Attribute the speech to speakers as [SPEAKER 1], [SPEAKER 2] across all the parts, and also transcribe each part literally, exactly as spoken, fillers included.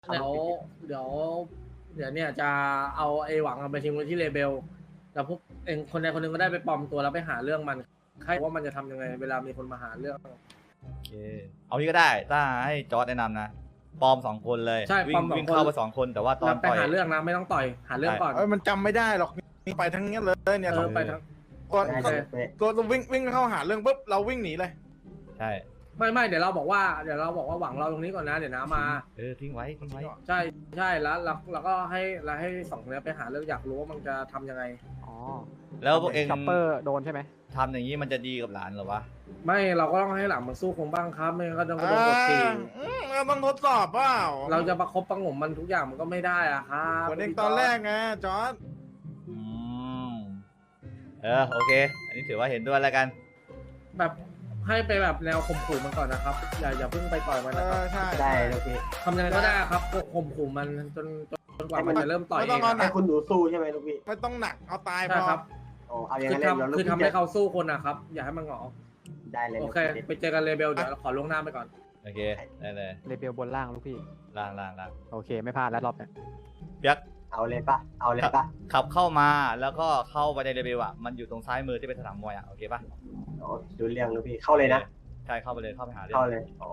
[SPEAKER 1] เดี๋ยวเดี๋ยวเดี๋ยวเนี่ยจะเอาไอ้หวังไปทิ้งไว้ที่เลเบลแล้วพวกเองคนใดคนหนึ่งก็ได้ไปปลอมตัวแล้วไปหาเรื่องมันใครว่ามันจะทำยังไงเวลามีคนมาหาเรื่อง
[SPEAKER 2] โอเคเอางี้ก็ได้ถ้าให้จอร์ดแนะนำนะปลอมสองคนเลย
[SPEAKER 1] ใช่
[SPEAKER 2] วิ่
[SPEAKER 1] ปลอง มสอง
[SPEAKER 2] วิ่ง
[SPEAKER 1] คน
[SPEAKER 2] เข้าไปสองคนแต่ว่าตอน
[SPEAKER 1] ไป
[SPEAKER 2] ต่อย
[SPEAKER 1] หาเรื่องนะไม่ต้องต่อยหาเรื่องก่อน
[SPEAKER 3] เอ้ยมันจำไม่ได้หรอกนี่ไปทั้งนี้เลยเนี่ย
[SPEAKER 1] เออไปทั้ง
[SPEAKER 3] ก่อน
[SPEAKER 1] ใช่
[SPEAKER 3] ก่อนก่อนวิ่งวิ่งเข้าหาเรื่องปุ๊บเราวิ่งหนีเลย
[SPEAKER 2] ใช่
[SPEAKER 1] ไม่ไม่เดี๋ยวเราบอกว่าเดี๋ยวเราบอกว่าหวังเราตรงนี้ก่อนนะเดี๋ยวน้ามา
[SPEAKER 2] เออทิ้งไว้ทิ้งไว้
[SPEAKER 1] ใช่ใช่แล้วเราเราก็ให้เราให้สองคนนี้ไปหาเรื่องอยากรู้ว่ามันจะทำยังไง
[SPEAKER 4] อ๋อ
[SPEAKER 2] แล้วพวกเอง
[SPEAKER 4] ช็อปเปอร์โดนใช่ไหม
[SPEAKER 2] ทำอย่างนี้มันจะดีกับหลานเหรอวะ
[SPEAKER 1] ไม่เราก็ต้องให้หลังมันสู้คงบ้างครับไม่งั้นก็ต้องกระโดดกดตี
[SPEAKER 3] อ่าอืมเราต้องทดสอบเปล่า
[SPEAKER 1] เราจะประคบประหงมมันทุกอย่างมันก็ไม่ได้อะครับ
[SPEAKER 3] คนเองตอนแรกไงจอร์ด
[SPEAKER 2] อืมเออโอเคอันนี้ถือว่าเห็นด้วยแล้วกัน
[SPEAKER 1] แบบให้ไปแบบแนวข่มขู่มันก่อนนะครับอย่าอย่าเพิ่งไปต่อยมัน
[SPEAKER 3] เอ
[SPEAKER 1] นะครับ
[SPEAKER 3] อใช่
[SPEAKER 5] ได้เลยพี่
[SPEAKER 1] ทำยังไงก็ได้ครับข่มขู่มันจนจนกว่ามันจะเริ่มต่อยเอง
[SPEAKER 5] ให้คุณหนูสู้ใช่ไหมลูกพี่
[SPEAKER 3] ไม่ต้องหนักเอาตายพ
[SPEAKER 1] ใช่
[SPEAKER 3] อ
[SPEAKER 1] ครับ
[SPEAKER 5] โอ้เอาอย่าง
[SPEAKER 1] คือ
[SPEAKER 5] นั้นเลยเดี๋ยว
[SPEAKER 1] ทำ
[SPEAKER 5] ลูก
[SPEAKER 1] คือ
[SPEAKER 5] พี่
[SPEAKER 1] ทำให้
[SPEAKER 5] จะ
[SPEAKER 1] เขาสู้คนนะครับอย่าให้มันหงอ
[SPEAKER 5] ได้เลย
[SPEAKER 1] โอ
[SPEAKER 5] ลูก
[SPEAKER 1] เค
[SPEAKER 5] พี่
[SPEAKER 1] ไปเจอกันเลเบลเดี๋ยวเราขอล่วงหน้าไปก่อน
[SPEAKER 2] โอเคได้เลย
[SPEAKER 4] เลเบลบนล่างลูกพี่
[SPEAKER 2] ล่างล่างล่าง
[SPEAKER 4] โอเคไม่พลาดแล้วรอบเนี้ย
[SPEAKER 2] เปียก
[SPEAKER 5] เอาเลยปะเอาเลยปะ
[SPEAKER 2] ขับเข้ามาแล้วก็เข้าไปในเรเบลอ่ะมันอยู่ตรงซ้ายมือที่เป็นสนามมวยอ่ะโอเคป่ะ
[SPEAKER 5] โอ้ดูเรื่องลูกพี่เข้าเลยนะ
[SPEAKER 2] ใช่เข้าไปเลยเข้าไปหาเรื่อง
[SPEAKER 5] เข้าเลยโอ้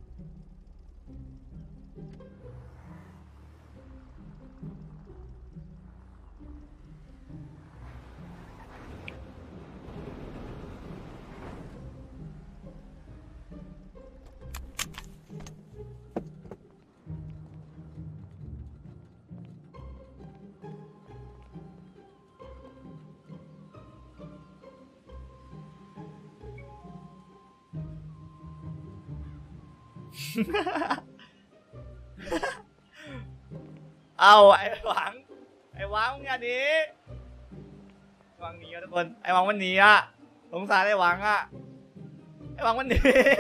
[SPEAKER 2] เอาไอ้หวังไอ้หวังมึงอย่าหนีหวังหนีอ่ะทุกคนไอ้หวังมันหนีอ่ะสงสารไอ้หวังอ่ะไอ้หวังมันหนี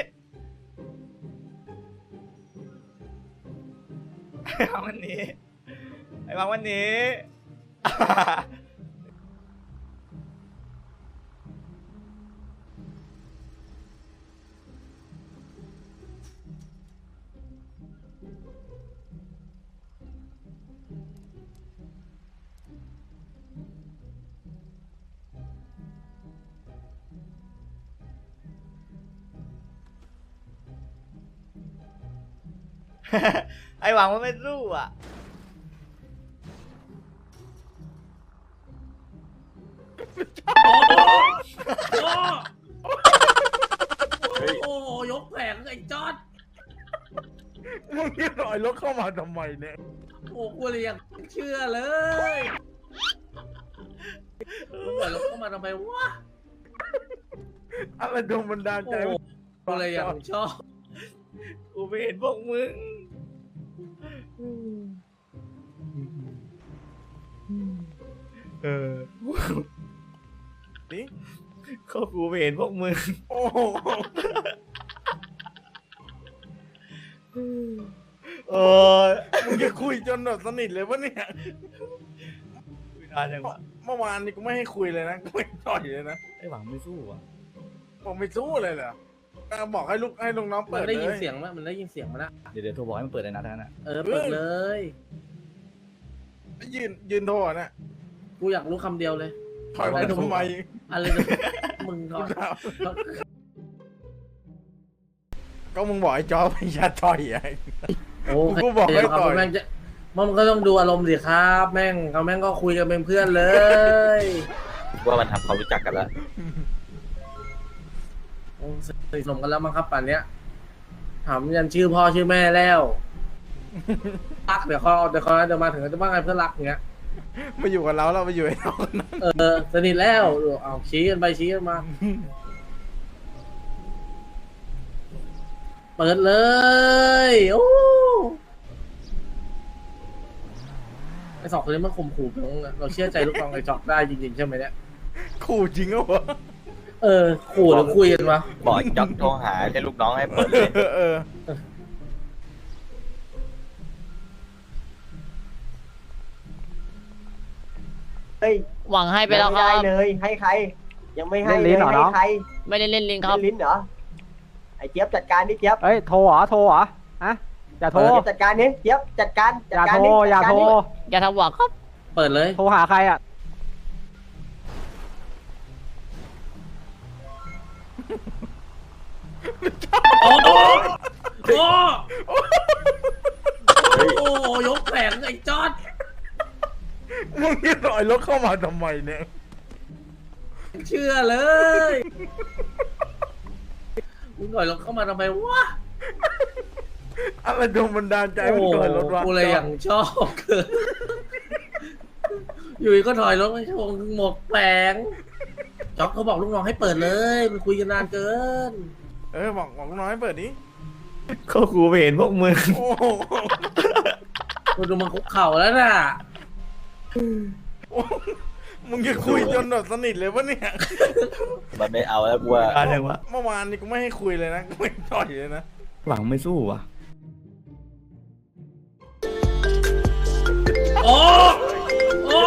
[SPEAKER 2] ไอ้หวังมันหนีไอ้หวังมันหนี ไอ้หวังมันไม่สู้อ่ะ
[SPEAKER 1] โอ้โหยกแผงไอ้จอด
[SPEAKER 3] มึงนี่ลอยรถเข้ามาทำไมเนี่ย
[SPEAKER 1] โอ้กูเลยยังเชื่อเลยมึงปล่อยรถเข้ามาทำไมวะ
[SPEAKER 3] อะไรโดนบันดาลใจ
[SPEAKER 1] โอ้กูเลยยังชอบ
[SPEAKER 2] กูไม่เห็นพวกมึงเออ
[SPEAKER 3] นี่
[SPEAKER 2] เขากูไม่เห็นพวกมึง
[SPEAKER 3] โอ้โห
[SPEAKER 2] โอ้ย
[SPEAKER 3] มึงจะคุยจนแบบสนิทเลยวะเนี่ย
[SPEAKER 2] ไม่นานยังวะ
[SPEAKER 3] เมื่อวานนี่กูไม่ให้คุยเลยนะกูไม่ต่อยเลยนะ
[SPEAKER 2] ไอ้หวังไม่สู้อ่ะ
[SPEAKER 3] ผมไม่สู้เลยเหรอก็บอกให้ลูกให้ลูกน้อง
[SPEAKER 1] มั
[SPEAKER 3] เปิ
[SPEAKER 1] น
[SPEAKER 3] ด
[SPEAKER 1] ได้ยิน
[SPEAKER 3] เลย
[SPEAKER 1] เสียงมั้ยมันได้ยินเสียงมั้ยนะ
[SPEAKER 2] เดี๋ยวเดี๋ยวโทรบอกให้มันเปิดในนัดนั้นอ่ะ
[SPEAKER 1] เออเปิดเลย
[SPEAKER 3] ยืนยืนโทรอ่ะนะ
[SPEAKER 1] กูอยากรู้คำเดียวเลย
[SPEAKER 3] ถอยไปทำไม
[SPEAKER 1] อะไรนะมึงก่อ
[SPEAKER 3] กู
[SPEAKER 1] น
[SPEAKER 3] ถามก็มึงบอกไอ้จอไปยัดต่อยไอ้
[SPEAKER 1] โอ้
[SPEAKER 3] กูบอกให้ต่อย
[SPEAKER 1] แม่งจะมันก็ต้องดูอารมณ์สิครับ แม่งเขาแม่งก็คุยกันเป็นเพื่อนเลย
[SPEAKER 6] ว่ามันทำความรู้จักกันแล้ว
[SPEAKER 1] โอ้สนิทสนมกันแล้วมั้งครับป่านเนี้ยถามยันชื่อพ่อชื่อแม่แล้วรักเดี๋ยวเขาเดี๋ยวเขาเดี๋ยวมาถึงจะว่าไงเพื่อนรักอย่างเงี้ย
[SPEAKER 3] มาอยู่กับเราเราไปอยู่ไอ้เราคนนั้น
[SPEAKER 1] เออสนิทแล้วเอาชี้กันไปชี้กันมา เปิดเลยโอ้ไอสองคนนี้มันข่มขู่น้องอะเราเชื่อใจลูกน้องไอจอกได้จริงๆใช่ไหมเนี่ย
[SPEAKER 3] ขู่จริงเหรอวะ
[SPEAKER 1] เออขู่หรือคุยกันวะ
[SPEAKER 6] บอกจ็อกโทรหาให้ลูกน้องให้เปิดเลย
[SPEAKER 3] เออเออ
[SPEAKER 5] เฮ้ย
[SPEAKER 7] หวังให้ไปแล้วค
[SPEAKER 5] ไม่
[SPEAKER 7] รั
[SPEAKER 5] ได้
[SPEAKER 7] บ
[SPEAKER 5] เลย ให้ใคร ยังไม่ให้
[SPEAKER 4] เล่นลิ้นเหรอ
[SPEAKER 5] ให้
[SPEAKER 4] น้อง
[SPEAKER 5] ใคร
[SPEAKER 7] ไม่ได้เล่นลิงครับ
[SPEAKER 5] เล่นลิ้นเหรอไอ้เจี๊ยบจัดการดิเจี๊ยบ
[SPEAKER 4] เอ้ยโทรเหรอโทรเหรอฮะอย่าโทร
[SPEAKER 5] เจี๊ยบจัดการนี้เจี๊ยบจัดการ
[SPEAKER 4] อ
[SPEAKER 5] จัด
[SPEAKER 4] ย่า
[SPEAKER 5] การ
[SPEAKER 4] โทร
[SPEAKER 5] นี้
[SPEAKER 4] อย่า
[SPEAKER 5] จัดกร
[SPEAKER 4] โทร
[SPEAKER 5] นี้
[SPEAKER 7] อย่าทำหวังครับ
[SPEAKER 1] เปิดเลย
[SPEAKER 4] โทรหาใครอ่ะ
[SPEAKER 1] โอ้โหโอ้โอ้โหยกแผงไอ้จอด
[SPEAKER 3] มึงจะถอยรถเข้ามาทำไมเนี่ย
[SPEAKER 1] เชื่อเลยมึงถอยรถเข้ามาทำไมวะ
[SPEAKER 3] อะไรโดนบันดาลใจ
[SPEAKER 1] โอ้
[SPEAKER 3] มึง
[SPEAKER 1] โห
[SPEAKER 3] ถอยรถวะ
[SPEAKER 1] กูเลยอย่างชอบเกินอยู่ดีก็ถอยรถไม่ชงหมกแผงจ๊อกเขาบอกลูกน้องให้เปิดเลยมันคุยกันนานเกิน
[SPEAKER 3] เออบอกบอกน้อยเปิดดิ
[SPEAKER 2] ก็กูไปเห็นพวกมึง
[SPEAKER 3] โอ้โห
[SPEAKER 1] คุณดูมันคุกเข่าแล้วน่ะ
[SPEAKER 3] มึงจะคุยจนแบบสนิทเลยวะเนี่ย
[SPEAKER 6] มันไม่เอาแล้วกูว่า
[SPEAKER 2] อะไรวะ
[SPEAKER 3] เมื่อวานนี่กูไม่ให้คุยเลยนะกูไม่ต่อยเลยนะ
[SPEAKER 2] หวังไม่สู้ว่ะ
[SPEAKER 1] โอ้โอ้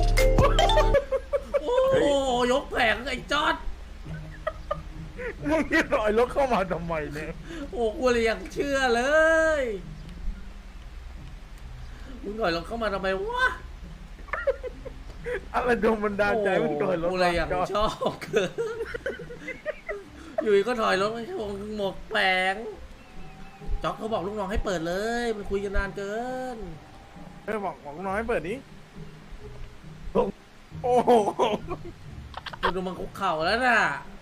[SPEAKER 1] โอ้ยกแผงไอ้จอด
[SPEAKER 3] มึงจะถอยรถเข้ามาทำไมเนี่ย
[SPEAKER 1] โอ้กูเลยอย่างเชื่อเลยมึงถอยรถเข้ามาทำไมวะ
[SPEAKER 3] อะไรโดนบันดาลใจมึงถอยรถ
[SPEAKER 1] กูเลยอย่าง
[SPEAKER 3] จอด
[SPEAKER 1] ชอบเกินอยู่ดีก็ถอยรถไม่ชงหมกแผงจ๊อกเขาบอกลูกน้องให้เปิดเลยมันคุยกันนานเกิน
[SPEAKER 3] เออบอกบอกน้อยเปิดดิโอ้โห
[SPEAKER 1] คุณดูมันคุกเข่าแล้วน่ะ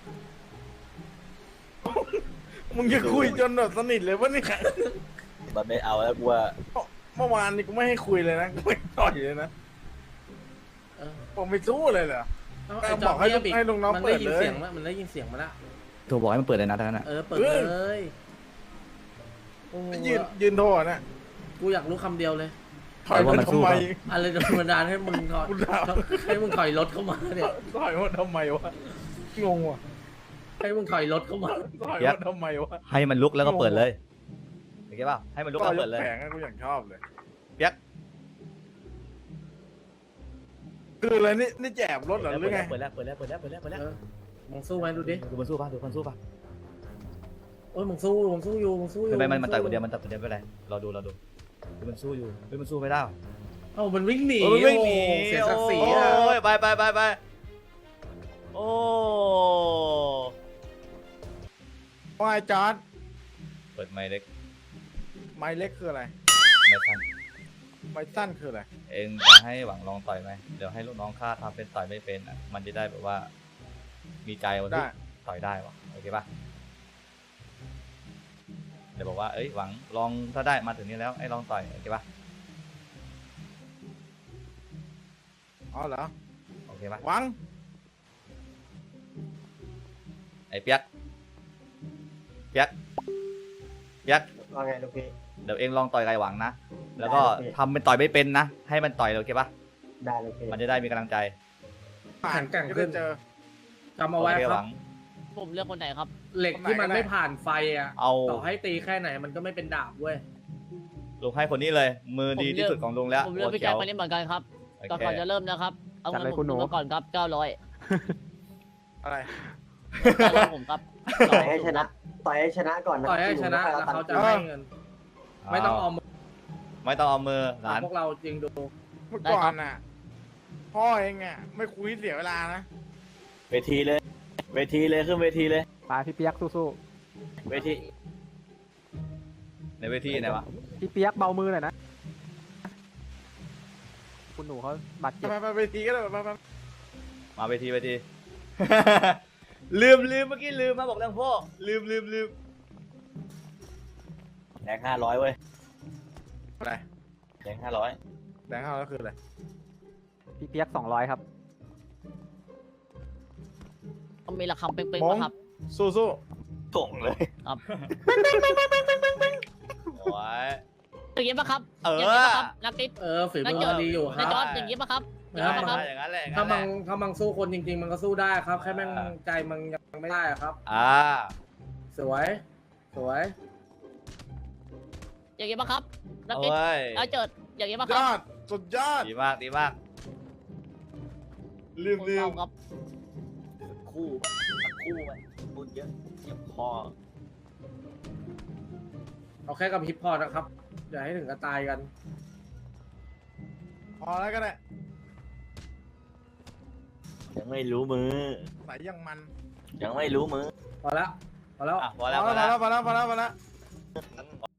[SPEAKER 3] มึงจะคุยจนแบบสนิทเลยวะเนี่ย
[SPEAKER 6] มันไม่เอาแล้วกูว่า
[SPEAKER 3] เมื่อวานนี่กูไม่ให้คุยเลยนะกูไม่ต่อยเลยนะ
[SPEAKER 1] เออ
[SPEAKER 3] ผมไม่สู้เลยเหรอ
[SPEAKER 1] เอาไอ้
[SPEAKER 3] บ
[SPEAKER 1] จ๊
[SPEAKER 3] อกให้
[SPEAKER 1] เงียบ
[SPEAKER 3] ให้ลูกน้อง
[SPEAKER 1] มัน
[SPEAKER 3] เปิ
[SPEAKER 1] ได้
[SPEAKER 3] ด
[SPEAKER 1] ยิน
[SPEAKER 3] เลย
[SPEAKER 1] เสียงมั้ยมันได้ยินเสียงมาละ
[SPEAKER 2] ตัวบอกให้มันเปิดเลยนะท่านน่ะ
[SPEAKER 1] เออเปิดเลยโอ้
[SPEAKER 3] ยืนยืนโทษนะ
[SPEAKER 1] กูอยากรู้คำเดียวเลย
[SPEAKER 3] ถอยมาทำไม
[SPEAKER 1] อะไรโดนบันดาลให้มึงถอย
[SPEAKER 3] กูถาม
[SPEAKER 1] ให้มึงถอยรถเข้ามาเนี่ย
[SPEAKER 3] ถอยมาทำไมวะงงว่ะ
[SPEAKER 1] ให้มึงถอยรถเข้ามา
[SPEAKER 3] ถอยมาทำไมวะ
[SPEAKER 2] ให้มันลุกแล้วก็เปิดเลยโอเคป่ะให้มันลุก
[SPEAKER 3] ก็
[SPEAKER 2] แล้ว
[SPEAKER 3] ย
[SPEAKER 2] เปิ
[SPEAKER 3] ก
[SPEAKER 2] ดเลย
[SPEAKER 3] แผงอะกูอย่างชอบเลย
[SPEAKER 2] เปียก
[SPEAKER 3] คืออะไรนี่นี่แจบรถเหรอหรือไง
[SPEAKER 2] เปิดแล้วเปิดแล้วเปิดแล้วเปิดแล้วเปิดแล้ว
[SPEAKER 1] เออมึงสู้ไหมดูดิ
[SPEAKER 2] ดูมันสู้ป่ะดูมันสู้ป่ะ
[SPEAKER 1] โอ้ยมึงสู้มึงสู้อยู่มึงสู้อยู่
[SPEAKER 2] คือไม่มันมันต่อยคนเดียวมันต่อยคนเดียวไม่เป็นไรรอดูรอดูดูมันสู้อยู่ดูมันสู้ไม่ได้
[SPEAKER 1] เอ้ามันวิ่งหนี
[SPEAKER 2] โอ้ยวิ่งหนี
[SPEAKER 1] โอ้เสียศักดิ์ศรี
[SPEAKER 2] โอ้
[SPEAKER 1] อ่ะ
[SPEAKER 2] ยไปไปไปไปโอ้
[SPEAKER 3] ว่าไอ้จอร์ด
[SPEAKER 2] เปิดไมค์เล็ก
[SPEAKER 3] ไม้เล็กคืออะไร
[SPEAKER 2] ไม่ทัน
[SPEAKER 3] ไม้สั้นคืออะไร
[SPEAKER 2] เองจะให้หวังลองต่อยไหมเดี๋ยวให้ลูกน้องข้าทำเป็นต่อยไม่เป็นอ่ะมันจะได้แบบว่า มีใจวัน
[SPEAKER 3] ได้
[SPEAKER 2] ที่ต่อยได้วะโอเคป่ะเดี๋ยวบอกว่าเอ้ยหวังลองถ้าได้มาถึงนี้แล้วให้ลองต่อยโอเคป่ะ
[SPEAKER 3] อ๋อเหรอ
[SPEAKER 2] โอเคป่ะ
[SPEAKER 3] หวัง
[SPEAKER 2] ไอ้เปียกเปียกเปียก
[SPEAKER 5] ว่าไงลูกพี่
[SPEAKER 2] เดี๋ยวเองลองต่อยไก่หวังนะแล้วก็
[SPEAKER 5] ได้โอเค
[SPEAKER 2] ทำเป็นต่อยไม่เป็นนะให้มันต่อยโอเคป่ะ
[SPEAKER 5] ได้ลูกพี่
[SPEAKER 2] มันจะได้มีกำลังใจ
[SPEAKER 3] ผ่าน
[SPEAKER 1] แข็งแกร่ง
[SPEAKER 3] จะ
[SPEAKER 1] ขึ้
[SPEAKER 3] ได้
[SPEAKER 1] น
[SPEAKER 3] เจอ
[SPEAKER 1] จำเอาไว้
[SPEAKER 2] โอเค
[SPEAKER 1] ค
[SPEAKER 2] ห
[SPEAKER 1] รั
[SPEAKER 2] วั
[SPEAKER 1] บ
[SPEAKER 2] ง
[SPEAKER 7] ผมเลือกคนไหนครับ
[SPEAKER 1] เหล็กที่มัน
[SPEAKER 3] คนไหนก็ได้
[SPEAKER 1] ไม่ผ่านไฟอ่ะ
[SPEAKER 2] เอา
[SPEAKER 1] ต่อให้ตีแค่ไหนมันก็ไม่เป็นดาบเว้ย
[SPEAKER 2] ลุงให้คนนี้เลย มือดีที่สุดของลุงแล้ว
[SPEAKER 7] ผมเลือกพี่แจ็คคนนี้เหมือนกันครับ
[SPEAKER 2] โอ
[SPEAKER 7] ก่อน
[SPEAKER 2] เค
[SPEAKER 7] ก่อนจะเริ่มนะครับ เอา
[SPEAKER 4] จัด
[SPEAKER 7] เงิน
[SPEAKER 4] เลย
[SPEAKER 7] ผ
[SPEAKER 4] คุ
[SPEAKER 7] ม
[SPEAKER 4] ณหนู
[SPEAKER 7] มาก่อนครับเก้าร้อย
[SPEAKER 3] อะไร
[SPEAKER 7] ผมครับ
[SPEAKER 5] ต่อยให้ชนะ ต่อยให้ชนะก่อนนะ
[SPEAKER 1] ต่อยให้ชนะแล้วเขาจะให้เงิน ไม่ต้องเอามือ
[SPEAKER 2] ไม่ต้องเอามือหลาน
[SPEAKER 1] พวกเราจริงดู
[SPEAKER 3] เมื่อก่อนน่ะ พ่อเองอ่ะไม่คุยเสียเวลานะ
[SPEAKER 6] เวทีเลย เวทีเลยขึ้นเวทีเลย
[SPEAKER 4] ไปพี่เปียกสู้
[SPEAKER 6] เวที
[SPEAKER 2] ในเวทีไหนวะ
[SPEAKER 4] ๆพี่เปียกเบามือหน่อยนะ คุณหนูเขาบาดเจ็บ
[SPEAKER 3] ไปไปไปทีก็ได้ไปไป
[SPEAKER 2] มาเวทีเวที ลืมลืมเมื่อกี้ลืมมาบอกเรื่องพ่อลืมลืมลืม
[SPEAKER 6] แดงห้าร้อยเว้ย
[SPEAKER 3] อะไร
[SPEAKER 6] แดงห้าร้อย
[SPEAKER 3] แดงเข้าแล้วคืออะไร
[SPEAKER 4] พี่เปียกสองร้อยครับ
[SPEAKER 7] ต้องมีระคำเป้ง
[SPEAKER 3] ม
[SPEAKER 7] ๆ
[SPEAKER 3] อง
[SPEAKER 7] ป่ะครับ
[SPEAKER 3] สู้สู้
[SPEAKER 6] ส่งเลย
[SPEAKER 2] โอ้ย
[SPEAKER 7] อย่างนี้ป่ะครับ
[SPEAKER 2] เออ
[SPEAKER 7] อย่างนี้ป่ะครับนักติ๊บ
[SPEAKER 1] เออฝี
[SPEAKER 7] นั
[SPEAKER 1] มื
[SPEAKER 7] ก
[SPEAKER 1] อมันดีอยู่ค
[SPEAKER 7] นั
[SPEAKER 1] รั
[SPEAKER 7] ก
[SPEAKER 1] บ
[SPEAKER 7] จอดอย่างนี้ป่ะครับอย่าง
[SPEAKER 2] ได้
[SPEAKER 7] นี้ป่ะครับ
[SPEAKER 2] อย่างนั้นแหละอย่าง
[SPEAKER 1] ถ้า
[SPEAKER 2] นั้นแห
[SPEAKER 1] มัง
[SPEAKER 2] ละ
[SPEAKER 1] ถ้ามังสู้คนจริง ๆ มันก็สู้ได้ครับ แค่แม่งใจมันยังไม่ได้อะครับ
[SPEAKER 2] อ่า
[SPEAKER 1] สวย สวย
[SPEAKER 7] อย่างนี้ป่ะครับนักติ๊บ
[SPEAKER 2] โอ้ย
[SPEAKER 7] เอาเจิดอย่างนี้ป่ะค
[SPEAKER 3] ย
[SPEAKER 7] รับ
[SPEAKER 3] อดสุดยอด
[SPEAKER 2] ดีมากดีมากลืม
[SPEAKER 7] คน
[SPEAKER 2] ลื
[SPEAKER 7] เมาม ครับ
[SPEAKER 6] คู่สักคู่ไปพูดเยอะเจ็บคอ
[SPEAKER 1] เอาแค่กับฮิปพอร์ตนะครับอย่าให้ถึงกับตายกัน
[SPEAKER 3] พอแล้วก็ได้
[SPEAKER 6] ยังไม่รู้มือ
[SPEAKER 3] ใส่ยังมัน
[SPEAKER 6] ยังไม่รู้มือ
[SPEAKER 1] พอแล้วพอแล้ว
[SPEAKER 2] อ่ะพอ
[SPEAKER 3] พอ
[SPEAKER 2] แล้วพอ
[SPEAKER 3] แล้
[SPEAKER 2] แล้ว
[SPEAKER 3] วพอแล้วพอแล้วพอแล้วพอแล้ว